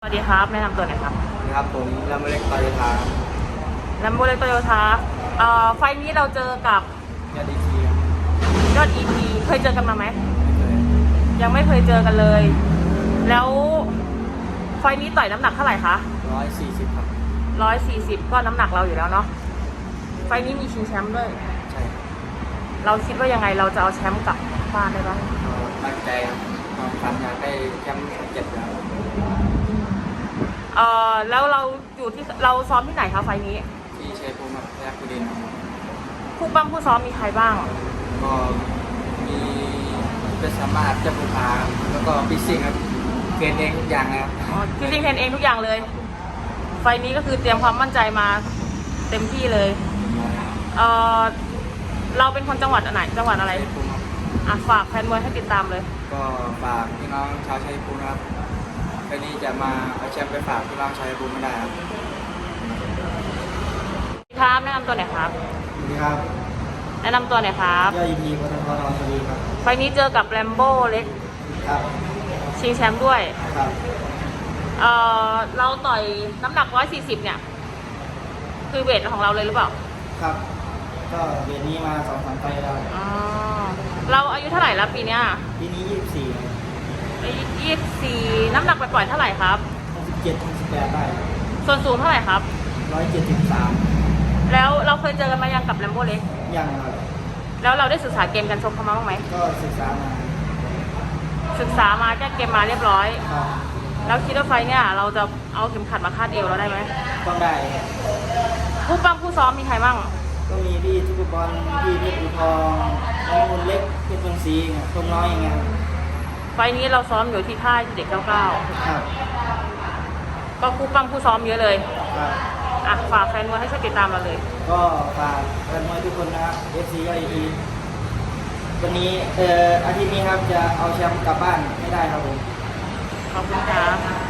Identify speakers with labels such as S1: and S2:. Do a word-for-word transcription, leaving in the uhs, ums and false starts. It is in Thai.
S1: สวัสดีครับแนะนำตัวหน่อยครับ
S2: ครับผมลำเล็กโตโยต้า
S1: แลมโบเล็กโตโยต้าเอ่อไฟล์นี้เราเจอกับ
S2: ยอดดีทีครับ
S1: ยอดอีทีเคยเจอกันมาไหม
S2: ไม่เคย
S1: ยังไม่เคยเจอกันเลย แล้วไฟล์นี้ต่อยน้ำหนักเท่าไหร่คะ
S2: ร้อยสี่สิบครับ
S1: ร้อยสี่สิบก็น้ำหนักเราอยู่แล้วเนาะไฟล์นี้มีชิงแชมป์ด้วย
S2: ใช่
S1: เราคิดว่ายังไงเราจะเอาแชมป์กลับบ้านได้บ้าง
S2: ตั้งใจครับความฝันอยากได้แชมป์เจ็ดแล้ว
S1: เอ่อแล้วเราอยู่ที่เราซ้อมที่ไหนคะไฟล์นี้
S2: ที่เชฟภูมิแรกกุดิน
S1: คู่ปั้มคู่ซ้อมมีใครบ้าง
S2: ก็มีเป็นสามารถจะบูพาแล้วก็พิซิ่งครับเกณฑ์เองทุกอย่างนะครับ
S1: พิซิ่งเทรนเองทุกอย่างเลยไฟล์นี้ก็คือเตรียมความมั่นใจมาเต็มที่เลยเอ่อเราเป็นคนจังหวัดไหนจังหวัดอะไรอ่ะฝากแฟนมวยให้ติดตามเลย
S2: ก็ฝากพี่น้องชาวชัยภูมินะครับวันนี้จะมาเอาแชมป์ไปฝากพี่น้องชาวชัยภูมิไม่ได้ครับ
S1: ครับแนะนำตัวหน่อยครับ
S2: สวัสดีครับ
S1: แนะนำตัวหน่อยครับ
S2: ยอดอีทีพัฒนพรสวัสดีครับ
S1: ไฟล์นี้เจอกับแรมโบ้เล็ก
S2: ครับ
S1: ชิงแชมป์ด้วย
S2: ครับ
S1: เอ่อเราต่อยน้ำหนักร้อยสี่สิบเนี่ยคือเวทของเราเลยหรือเปล่า
S2: ครับก็เดือนนี้มาสองสามไฟแล้ว
S1: อ๋อเราอายุเท่าไหร่แล้วปีเนี้ย
S2: ปีนี้ยี่สิบสี่
S1: ยี่สิบสี่น้ำหนักปล่อยๆเท่าไหร่ครับ
S2: หกสิบเจ็ดหกสิบแปดได้
S1: ส่วนสูงเท่าไหร่ครับ
S2: ร้อยเจ็ดสิบสาม
S1: แล้วเราเคยเจอกันมายังกับแรมโบ้เล็ก
S2: ยังครับ
S1: แล้วเราได้ศึกษาเกมกันชกเขามาบ้างไหม
S2: ก็ศึกษามา
S1: ศึกษามาแก้เกมมาเรียบร้อย
S2: ครับ
S1: แล้วคิดว่าไฟเนี่ยเราจะเอาเข็มขัดมาคาดเอวเราได้ไหม
S2: ต้องได้
S1: ผู้ปั้มผู้ซ้อมมีใครบ้าง
S2: ก็มีพี่ทุกบอลพี่เพชรอุทองน้องมูลเล็กเพชรเมืองศรีตรงน้อยอย่างเงี้ย
S1: ไฟนี้เราซ้อมอยู่ที่ค่ายเด็กเก้าเก้า
S2: ครับ
S1: ก็ผู้ปั้มผู้ซ้อมเยอะเลย
S2: ครับ
S1: อ่ะฝากแฟนมวยให้ช่วยติดตามเราเลย
S2: ก็ฝากแฟนมวยทุกคนนะครับ เอฟ ซี ยอดอีทีวันนี้เอ่ออาทิตย์นี้ครับจะเอาแชมป์กลับบ้านไม่ได้ครับผม
S1: ขอบคุณครับ